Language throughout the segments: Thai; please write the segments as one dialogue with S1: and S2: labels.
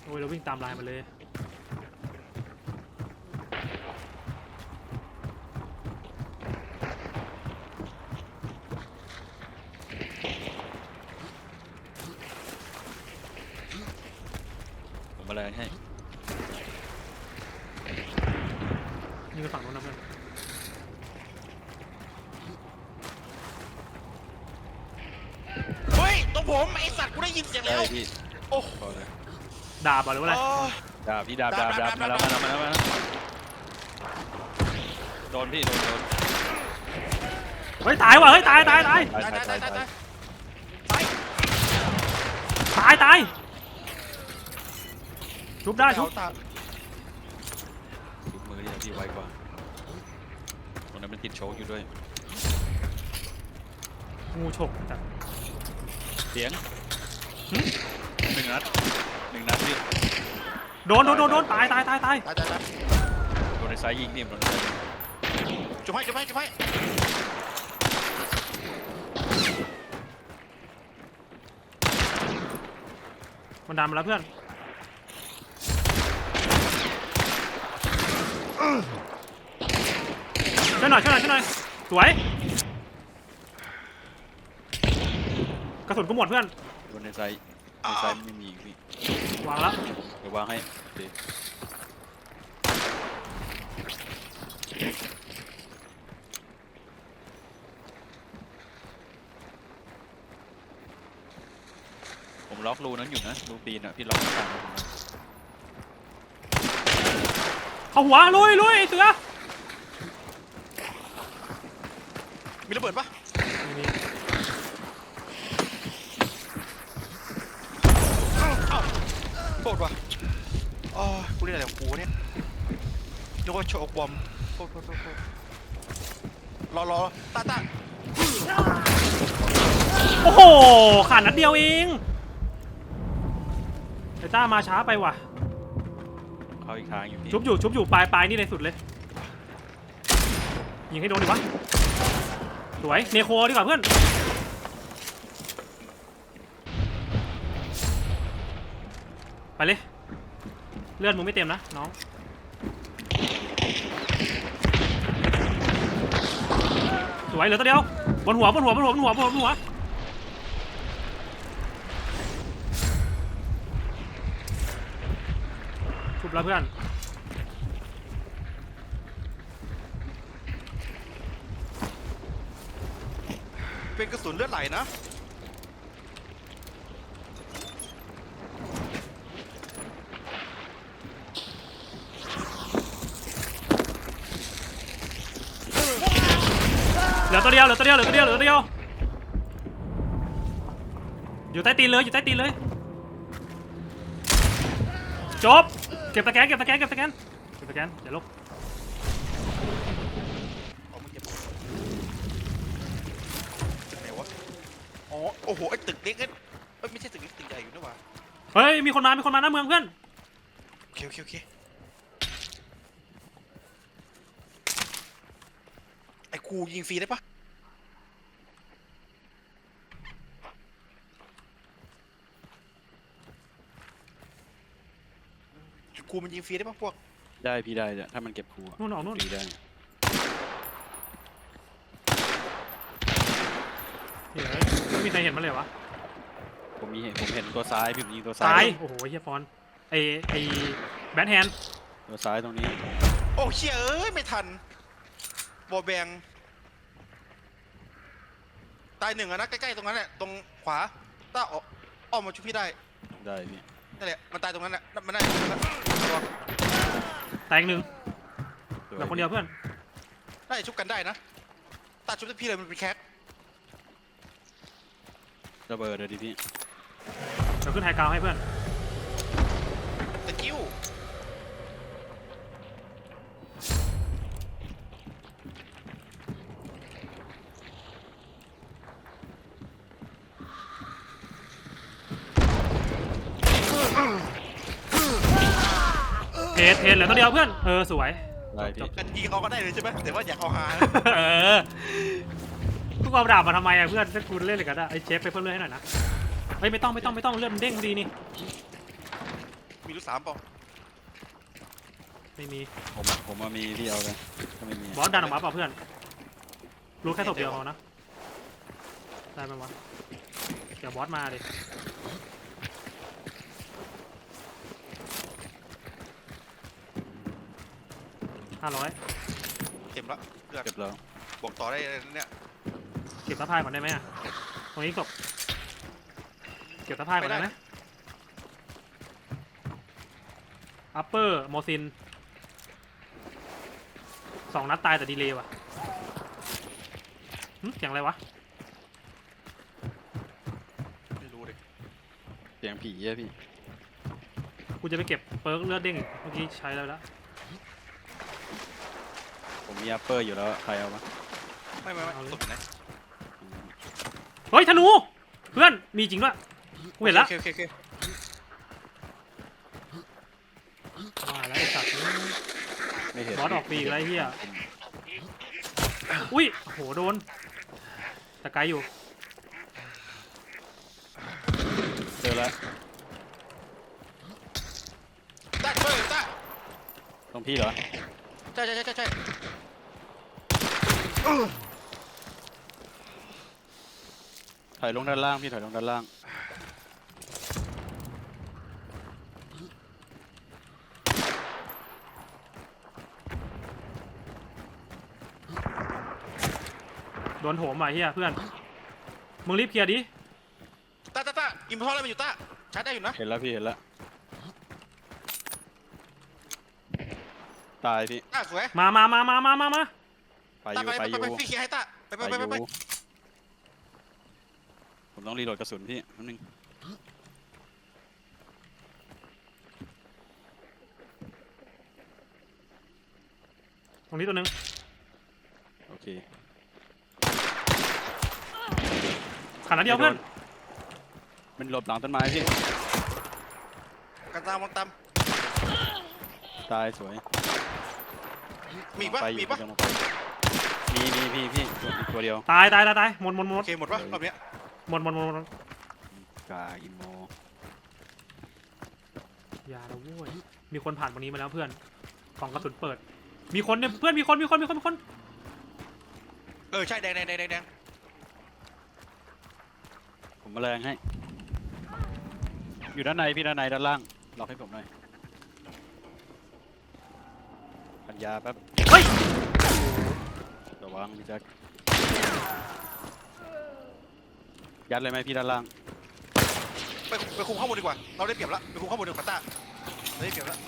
S1: โอ้ยเราวิ่งตามลายมาเลย
S2: ผมมาเลยให้
S1: ยิงไปฝั่งโน้นนะเพื่อน
S3: เฮ้ยตรงผมไอสัตว์กูได้ยินเสียงแล้ว
S2: พี่
S3: โอ้
S2: พอเลย
S1: ดาบหรือว่าอะไร
S2: ดาบพี่ดาบมาแล้วโดนพี่โดน
S1: เฮ้ยตายว่ะเฮ้ยตาย
S3: ตาย
S1: ชุบได้ชุบ
S2: ทุกมือที่ไวกว่าตรงนั้นมันติดโชกอยู่ด้วย
S1: งูฉกจัด
S2: เสียงหนึ่งนัดพี่
S1: โดนตาย
S2: โดนในซ้ายยิงนี่โดนในซ้ายยิง
S3: จุ๊บให้
S1: มันดันมาแล้วเพื่อนช่วยหน่อยสวยกระสุนกูหมดเพื่อน
S2: โดนในซ้ายไม่มีพี่
S1: วางแล้ว
S2: เดี๋ยววางให้ดีผมล็อกรูนั้นอยู่นะรูปีนอ่ะพี่ล็อกไม่ทัน
S1: เข้าหัวลุยไอ้เสือ
S3: มีระเบิดปะโทษว่ะอ๋อกูเรียกอะไรของกูเนี่ยนึกว่าโชว์บอมโทษรอตา
S1: โอ้โหขาดนัดเดียวเองไอ้ต้ามาช้าไปว่ะ
S2: เข้าอีกทางอยู่พี่
S1: ชุบอยู่ปลายนี่เลยสุดเลยยิงให้โดนดิวะสวยเนโคดีกว่าเพื่อนไปเลยเลือดมึงไม่เต็มนะน้องสวยเหลือตัวเดียวบนหัวชุบแล้วเพื่อน
S3: เป็นกระสุนเลือดไหลนะ
S1: เหลือตัวเดียวอยู่ใต้ตีนเลยจบเก็บสแกนอย่าลบ
S3: เอามาเก็บไหนวะอ๋อโอ้โหไอ้ตึกเล็กเอ้ยไม่ใช่ตึกเล็กตึกใหญ่อยู่นะวะ
S1: เฮ้ยมีคนมาหน้าเมืองเพื่อน
S3: โอเคไอ้กูยิงฟรีได้ปะกูมันยิงฟรีได้ปะพวก
S2: ได้พี่ได้ถ้ามันเก็บคู
S1: นู่นออกนู่น
S2: ฟรีได้
S1: เฮ้ยไม่มีใครเห็นมันเลยวะ
S2: ผมเห็นตัวซ้ายพี่ผมยิงตัวซ้า
S1: ซ้าย ยโอ้โหเฮียฟอนไอแบทแฮนด์
S2: ตัวซ้ายตรงนี้
S3: โอ้เชี่ยเอ้ยไม่ทันบอแบงตายหนึ่งอะนะใกล้ๆตรงนั้นแหละตรงขวาต้าอ้อมมาช่วยพี่ได้
S2: ได้พี่
S3: นั่นแหละมันตายตรงนั้นแหละมันได้ตรงนั้นแหละระวัง
S1: แตกหนึ่งเหลือคนเดียวเพื่อน
S3: ได้ชุบกันได้นะตาชุบพี่เลยมันเป็นแคค
S2: ระเบิดเลยดิพี่
S1: เดี๋ยวขึ้นไฮกราวให้เพื่อน
S3: ตะกิ้ว
S1: เทเหลือตัวเดียวเพื่อนสวย
S2: ได้พี่
S3: กันยิงเอาก็ได้เลยใช่ไหมแต่ว่าอยากเอาฮา
S1: ทุกเอาดาบมาทำไมอะเพื่อนถ้ากูเล่นเลยกันอะไอเชฟไปเพิ่มเลือดให้หน่อยนะเฮ้ยไม่ต้องเลือดมันเด้งดีนี่
S3: มี 2.3เปล่า
S1: ไม่มี
S2: ผมมามีพี่เอาเลยถ้าไม่มี
S1: บอสดันออกมาเปล่าเพื่อนรู้แค่ศพเดียวพอนะได้ไหมวะเดี๋ยวบอสมาดิ500
S3: เต็มละเลือด
S2: เก็บแล้ว
S3: บอกต่อได้เนี่ย
S1: เก็บสะพายก่อนได้ไหมอะตรงนี้ศพเก็บสะพายก่อนได้ไหมอัปเปอร์โมซิน2 นัดตายแต่ดีเลย์ว่ะเสียงอะไรวะ
S3: ไม่รู้ดิ
S2: เสียงผีอะพี่
S1: กูจะไปเก็บเปิร์กเลือดเด้งอีกเมื่อกี้ใช้แล้ว
S2: ผมมีอัปเปอร์อยู่แล้วใครเอามา
S3: ไม่ตกไหน
S1: เฮ้ยธนูเพื่อนมีจริงด้วยกูเห็นแล้ว
S3: โอเค
S1: มาแล้วไอ้สัตว์
S2: ไม่เห็น
S1: บอสออกปีกอะไรเฮียอุ้ยโหโดนแต่ไกลอยู่
S2: เจอแล้ว
S3: ต้าเบอร์ต้า
S2: ตรงพี่เหรอ
S3: ใช่
S2: ถอยลงด้านล่างพี่ถอยลงด้านล่าง
S1: โดนโถมว่ะเฮียเพื่อนมึงรีบเคลียร์ดิ
S3: ต้าอิมพอร์ตอะไรมาอยู่ต้าชาร์จได้อยู่นะ
S2: เห็นแล้วพี่เห็นแล้วตายพี่
S3: ต้าสวย
S1: มา
S2: ไปอยู่ไปอยู่
S3: ไปพี่เคลียร์ให้ต้าไป
S2: ผมต้องรีโหลดกระสุนพี่นิดนึง
S1: ตรงนี้ตัวหนึง
S2: โอเค
S1: ขาดนัดเดียวเพื่อน
S2: มันหลบหลังต้นไม้พี่
S3: กันตามมันตาม
S2: ตายสวย
S3: มีปะ
S2: ไปอยู่
S3: มีปะ
S2: มีพี่อีกตัวเดียว
S1: ตายหมด
S3: โอเคหมดปะรอบเนี้ย
S1: หมด
S2: กาอิโม
S1: อย่าละโว้ยมีคนผ่านตรงนี้มาแล้วเพื่อนกล่องกระสุนเปิดมีคนเนี่ยเพื่อนมีคน
S3: ใช่แดง
S2: ผมมาแรงให้ อยู่ด้านในพี่ด้านในด้านล่างล็อกให้ผมหน่อยปัญญาแป๊บ
S1: เฮ้ย
S2: ระวังพี่แจ็คยัดเลยไหมพี่ด้านล่าง
S3: ไปคุมข้างบนดีกว่าเราได้เปรียบแล้วไปคุมข้างบนดีกว่าต้าเราได้เปรียบแล้ว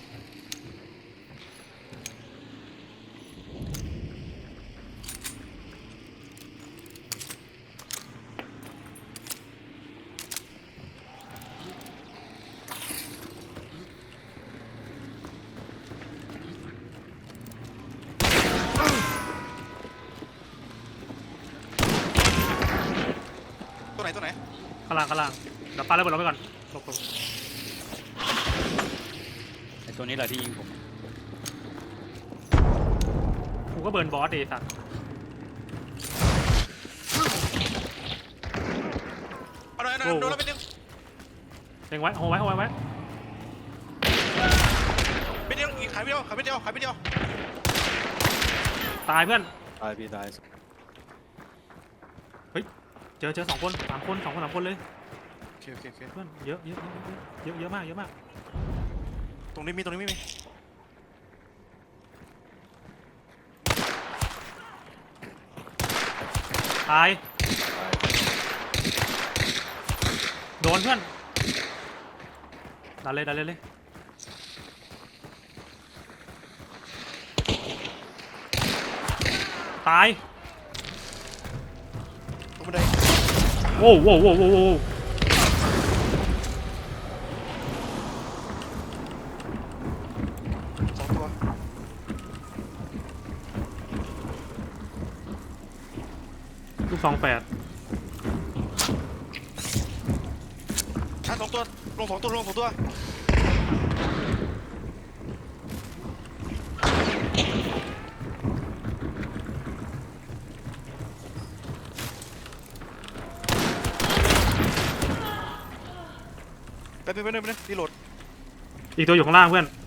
S3: ตัวไหน
S1: ข้างล่างเดี๋ยวปาระเบิดลงไปก่อนหลบ
S2: ไอตัวนี้แหละที่ยิงผม
S1: กูก็เบิร์นบอสดิสัตว์
S3: เอาหน่อยโดนแล้วไปนึง
S1: เล็งไว้โหไว้
S3: ไปนึงอีกขายไปเดียว
S1: ตายเพื่อน
S2: ตายพี่ตาย
S1: เจอ2 คน3 คน2 คน 3 คนเลย
S3: โอเค
S1: เพื่อนเยอะมาก
S3: ตรงนี้มี
S1: ตายโดนเพื่อนดันเลยตาย
S3: ตรงบันได
S1: โว้ว
S3: 2 ตัว
S1: ลูกซอง8
S3: ชาร์จ2 ตัวลง 2 ตัว ไปรีโหลด
S1: อีกตัวอยู่ข้างล่างเพื่อน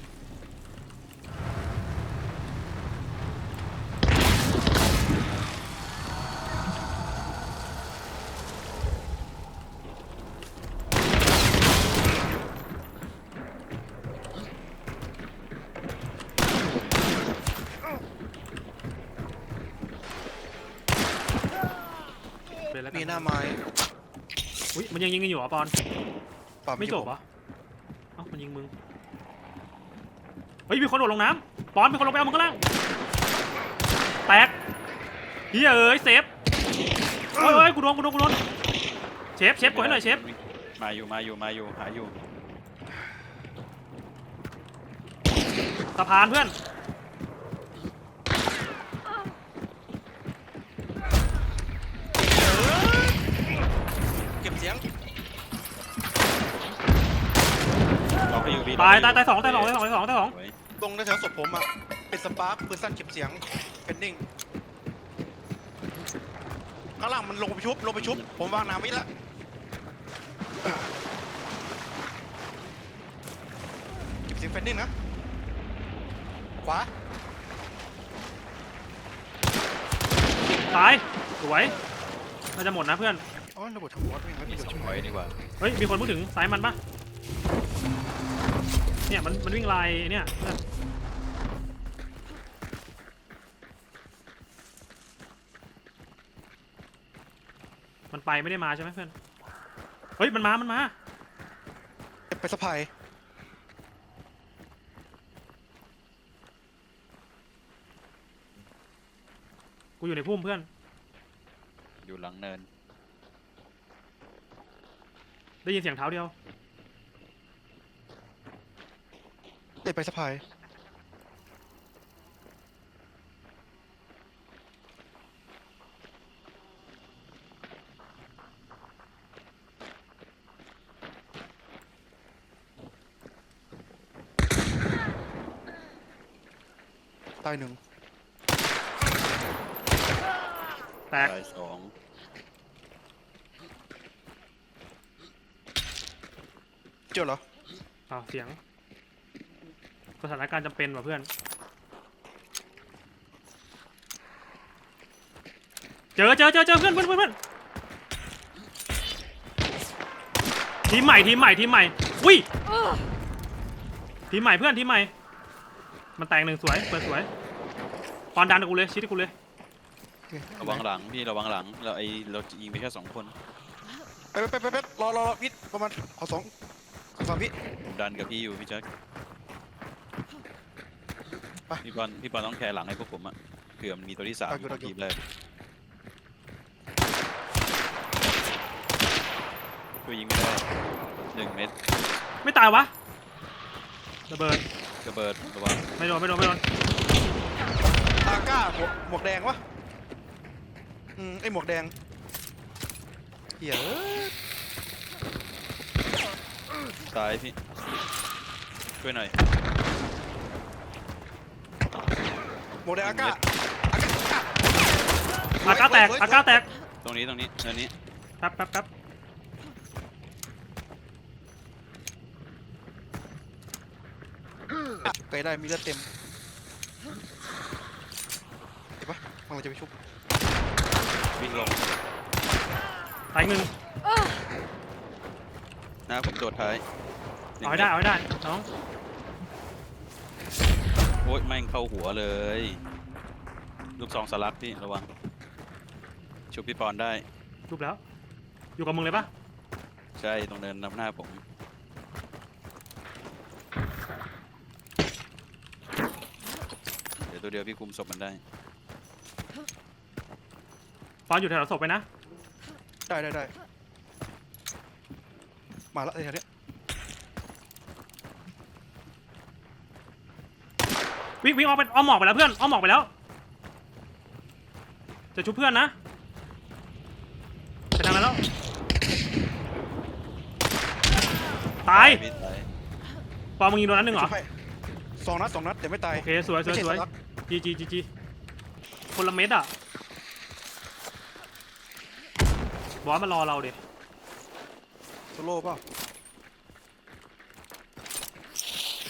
S1: เป็นแล้วกั
S3: มี
S1: น
S3: หน้าไม้
S1: อุ้ยมันยังยิงกันอยู่เหรอปอน
S3: ปั๊
S1: ไม่
S3: ที่
S1: จ
S3: ผ
S1: บเหรอเอ้ามันยิงมึงเฮ้ยมีคนโดดลงน้ำปอนมีคนลงไปเอามึงข้างล่างแตกเฮ้ยเอ้ยเซฟเฮ้ยกูโดนเชฟกดให้หน่อยเชฟ
S2: มาอยู่หาอยู่
S1: สะพานเพื่อน
S3: เก็บเสียง
S2: ล็อกให้อยู่พี่
S1: ตาย
S2: ล็อกให้
S1: สอง
S2: สวย
S3: ตรงแถวศพผมอ่ะเป็นสปาร์คปืนสั้นเก็บเสียงเป็นนิ่งข้างล่างมันลงไปชุบผมวางน้ำไว้ละเก็บเสียงเป็นนิ่งนะขวา
S1: ตายสวยน่าจะหมดนะเพื่อน
S3: อ๋อระเบิดทางหัวด้วยงั้น
S2: มี
S3: เดี๋ยว
S2: สอง
S3: ช่วย
S2: ไว้ดีกว่า
S1: เฮ้ยมีคนพูดถึงสายมันปะเนี่ยมันวิ่งลายเนี่ยเพื่อนมันไปไม่ได้มาใช่ไหมเพื่อนเฮ้ยมันมา
S3: ไปสะพาย
S1: กูอยู่ในพุ่มเพื่อน
S2: อยู่หลังเนิน
S1: ได้ยินเสียงเท้าเดียว
S3: ไปสะพายตายหนึ่ง
S1: แตก
S2: ตายสอง
S3: เจอเหรอ
S1: อ้าวเสียงสถานการณ์จำเป็นว่ะเพื่อนเจอเพื่อนทีมใหม่อุ้ยทีมใหม่เพื่อนทีมใหม่มันแตกหนึ่งสวยเปิดสวยปอนดันกับกูเลยชิดให้กูเลย
S2: ระวังหลังพี่ระวังหลังเรายิงไปแค่2 คน
S3: ไปรอวิทย์ประมาณขอสามวิ
S2: ผมดันกับพี่อยู่พี่แจ็ค
S3: ไป
S2: พี่บอลต้องแคร์หลังให้พวกผมอะเผื่อมันมีตัวที่3ของทีมแรกช่วยยิงไม่ได้1 เม็ด
S1: ไม่ตายวะระเบิด
S2: ระเบิดระวัง
S1: ไม่โดน
S3: อาก้าหมวกแดงวะไอหมวกแดงเหี้ย
S2: ตายพี่ช่วยหน่อย
S3: หมวกแดงอาก้า
S1: อาก้าแตก
S2: ตรงนี้เนินนี้
S1: แป๊บ
S3: ไกลได้มีเลือดเต็มเห็นปะมันจะไปชุบ
S2: วิ่งลง
S1: ตายหนึ่ง
S2: หน้าผมโดดท้าย
S1: เอาให้ได้น้อง
S2: โอ๊ยแม่งเข้าหัวเลยลูกซองสลักพี่ระวังชุบพี่ปอนได้
S1: รูปแล้วอยู่กับมึงเลยปะ
S2: ใช่ตรงเนินนำหน้าผมเดี๋ยวตัวเดียวพี่คุมศพมันได้
S1: ปอนอยู่แถวศพไปนะ
S3: ได้มาละแถวเนี้ย
S1: วิ่งออกไปอ้อมหมอกไปแล้วเพื่อนอ้อมหมอกไปแล้วจะชุบเพื่อนนะไปทางนั้นแล้วตาย
S2: พี่ตาย
S1: ปอนมึงยิงโดนนัดหนึ่งเหรอ
S3: ชุบให้2 นัดแต่ไม่ตาย
S1: โอเคสวย
S3: ไม่ใช่สลัก
S1: จีคนละเม็ดอ่ะบอสมารอเราดิ
S3: โซโล่เปล่า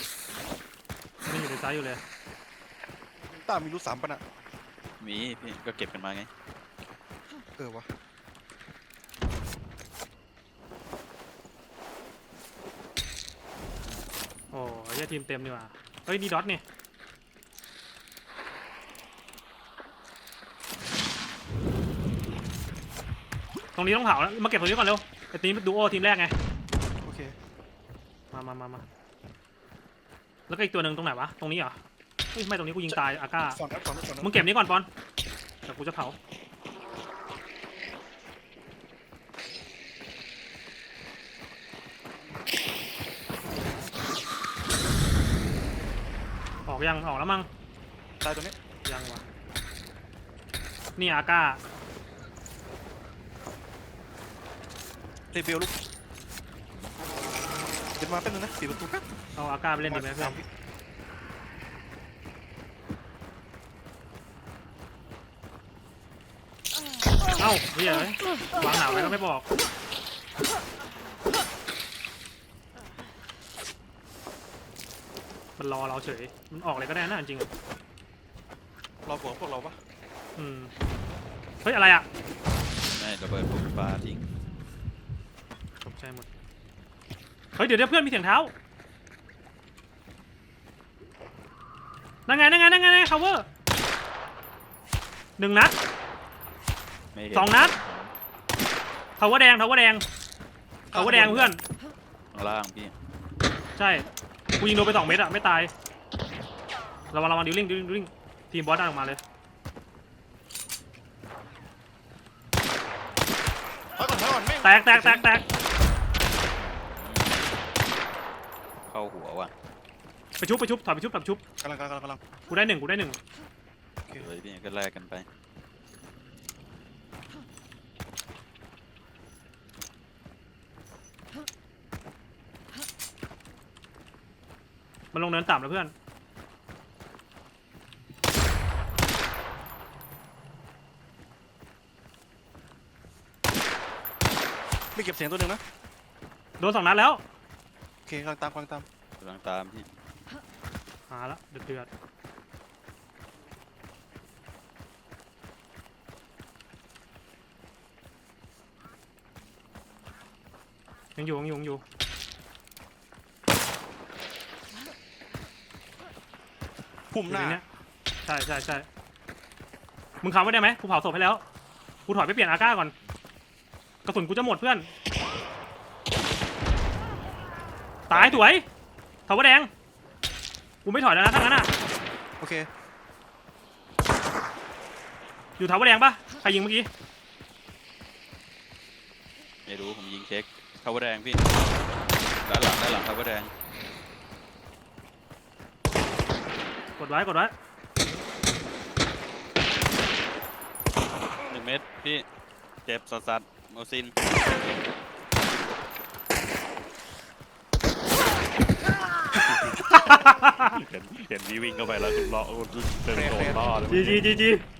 S1: ซ้ายอยู่เลย
S3: ต้ามีรูท3ปะน่ะ
S2: มีพี่ก็เก็บกันมาไง
S3: วะ
S1: โอ้ยเหี้ยทีมเต็มดีกว่าเฮ้ยนี่ดอทนี่ตรงนี้ต้องเผาแล้วมาเก็บตรงนี้ก่อนเร็วไอ้ทีมดูโอทีมแรกไง
S3: โอเค
S1: มาแล้วก็อีกตัวหนึ่งตรงไหนวะตรงนี้เหรอเฮ้ยไม่ตรงนี้กูยิงตายอาก้า
S3: ฝั่งนั้น
S1: มึงเก็บนี้ก่อนปอนเดี๋ยวกูจะเผาออกยังออกแล้วมั้ง
S3: ตายตัวนี้
S1: ยังวะนี่อาก้า
S3: เตะเบลลูกเดี๋ยวมาแป๊บนึงนะปิดประตูแป๊บ
S1: เอาอาก้าไปเล่นดีไหมเพื่อนเอ้าเฮ้ยเอ้ยวางหนาวไว้ก็ไม่บอกมันรอเราเฉยมันออกเลยก็ได้นะจริงๆอะ
S3: รอพวกเราปะ
S1: อืมเฮ้ยอะไรอ่ะ
S2: ไม่ระเบิดปุ๊บปลาทิ้ง
S1: ตกใจหมดเฮ้ยเดี๋ยวเพื่อนมีเสียงเท้านั่นไงcover 1 นัด
S2: ไม่เห็น
S1: 2 นัดcover แดงcover แดงเพื่อน
S2: ข้างล่างพี่
S1: ใช่กูยิงโดนไป2 เม็ดอะไม่ตายระวังดิวลิงทีมบอสดันออกมาเลย
S3: ถอยก่อนแม่ง
S1: แตก
S2: เข้าหัวว่ะ
S1: ไปชุบถอยไปชุบ
S3: กำลัง
S1: กูได้หนึ่ง
S2: เลยพี่ก็แลกกันไป
S1: มันลงเนินต่ำแล้วเพื่อน
S3: ไม่เก็บเสียงตัวหนึ่งนะ
S1: โดน2 นัดแล้ว
S3: โอเคกำลังตาม
S2: กำลังตามพี่
S1: หาละเดือดยังอยู่
S3: พุ่มหน้า
S1: อยู่ใเนี้ยใช่มึงขับไว้ได้ไหมกูเผาศพให้แล้วกูถอยไปเปลี่ยนอาก้าก่อนกระสุนกูจะหมดเพื่อนตายสวยเถาแดงกูไม่ถอยแล้วนะทั้งนั้นอ่ะ
S3: โอเค
S1: อยู่เถาแดงปะใครยิงเมื่อกี้
S2: ไม่รู้ผมยิงเช็คเข้าแดงพี่ด้านหลังเข้าแดง
S1: กดไว้
S2: 1 เม็ดพี่เจ็บสัสโมซินเห็นพี่วิ่งเข้าไปแล้วคุณล้อเดินโดนล่อเลย
S1: จี